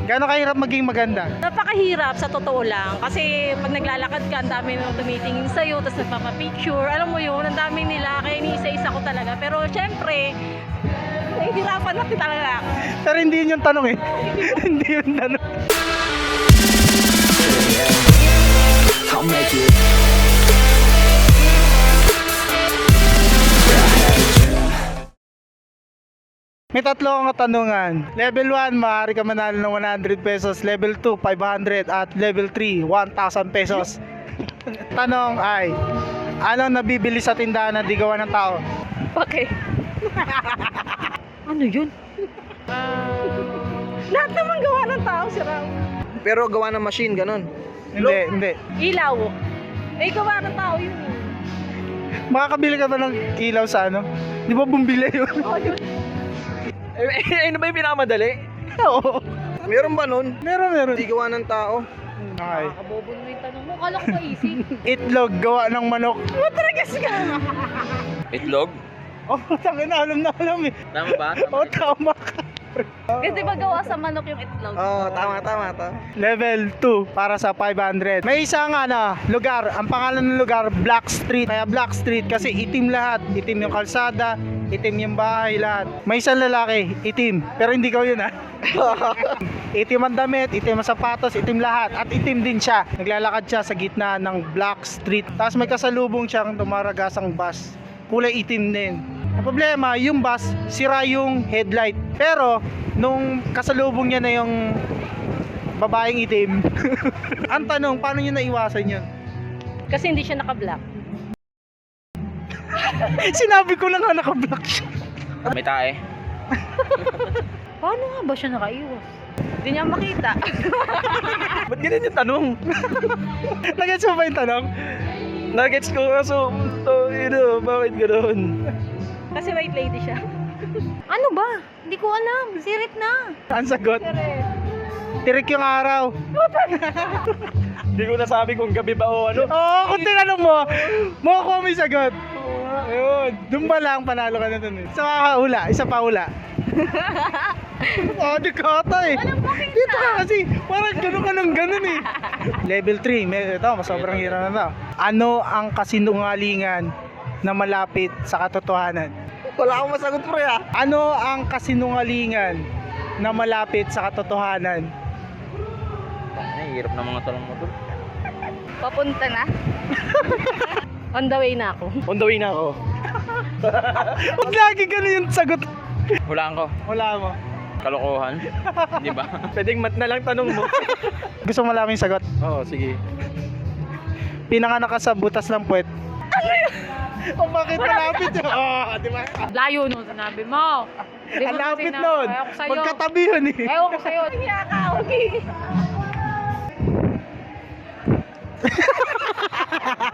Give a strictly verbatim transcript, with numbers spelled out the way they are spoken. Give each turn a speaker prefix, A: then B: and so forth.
A: Gano'ng kahirap maging maganda?
B: Napakahirap sa totoo lang kasi pag naglalakad ka, ang dami nang tumitingin sa'yo, tapos nagpapapicture, alam mo yun, ang dami nila, kaya iniisa-isa ko talaga. Pero syempre, nahihirapan natin talaga.
A: Pero hindi yun yung tanong eh. Hindi yun tanong.
C: I'll make it.
A: May tatlo akong katanungan. Level one, maaari ka manalo ng one hundred pesos. Level two, five hundred. At level three, one thousand pesos. Tanong ay, anong nabibili sa tindahan na di gawa ng tao?
B: Okay. Ano yun? Lahat naman gawa ng tao, si Ram.
D: Pero gawa ng machine, ganun.
A: Hindi, hindi.
B: Ilaw. Eh, gawa ng tao yun.
A: Makakabili ka ba ng ilaw sa ano? Di ba bumbili yun?
B: Oh, yun.
D: Eh, eh, ano ba yung pinakamadali?
A: Oo.
D: Meron ba nun?
A: Meron, meron.
D: Hindi gawa ng tao.
A: Okay.
B: Nakabobo na yung tanong mo. Kala ko ba easy?
A: Itlog, gawa ng manok.
B: Matragas ka.
D: Itlog?
A: Oh, tangin na, alam na alam eh.
D: Tama ba?
A: Oh, tama ka.
B: Kasi ba gawa sa manok yung itlog?
D: Oo, oh, tama, tama, tama.
A: Level two para sa five hundred. May isang ano, lugar, ang pangalan ng lugar Black Street. Kaya Black Street kasi itim lahat. Itim yung kalsada, itim yung bahay lahat. May isang lalaki, itim. Pero hindi ko yun ha. Itim ang damit, itim ang sapatos, itim lahat. At itim din siya. Naglalakad siya sa gitna ng Black Street. Tapos may kasalubong siyang dumaragasang bus. Kulay itim din. Ang problema, yung bus, sira yung headlight. Pero, nung kasalubong niya na yung babaeng itim, ang tanong, paano niya naiwasan yun?
B: Kasi hindi siya naka-black.
A: Sinabi ko lang nga naka-block siya.
D: May tae.
B: Paano nga ba siya nakaiwas? Hindi niya makita.
D: Ba't ganyan yung tanong?
A: Nagets mo ba yung tanong?
D: Nuggets ko kaso, to, ino, bakit gano'n?
B: Kasi white lady siya. Ano ba? Hindi ko alam. Sirit na.
A: Ang sagot,
B: Sirit.
A: tirik yung araw.
D: Hindi ko nasabi kung gabi ba o ano.
A: Oo, kung tinanong mo, makukuha mo yung sagot. Ayun, doon ba lang panalo ka na dun eh. Isa pa ula, isa pa ula. Oh, di kata eh. Dito ka kasi, parang gano'n ka ng gano'n eh. Level three, may, ito, mas sobrang hirap na to. Ano ang kasinungalingan na malapit sa katotohanan?
D: Wala akong masagot pre ah.
A: Ano ang kasinungalingan na malapit sa katotohanan?
D: Ay, hirap ng mga tanong mo to.
B: Papunta na. On the way na ako.
D: On the way na ako.
A: Huwag lagi gano'n yung sagot.
D: Hulaan ko.
A: Wala mo.
D: Kalokohan. Di ba? Pwedeng mat na lang tanong mo.
A: Gusto mo malaking sagot?
D: Oo, sige.
A: Pinanganak ka sa butas ng puwet. Ano yun? O bakit malapit yun? Oo, di ba?
B: Layo nun, sinabi mo. Hindi
A: Ang
B: mo
A: lapit
B: sinabi.
A: nun.
B: Ayaw ko sa'yo.
A: Magkatabi yun eh.
B: Ayaw ko sa'yo. Hindi ka, okay.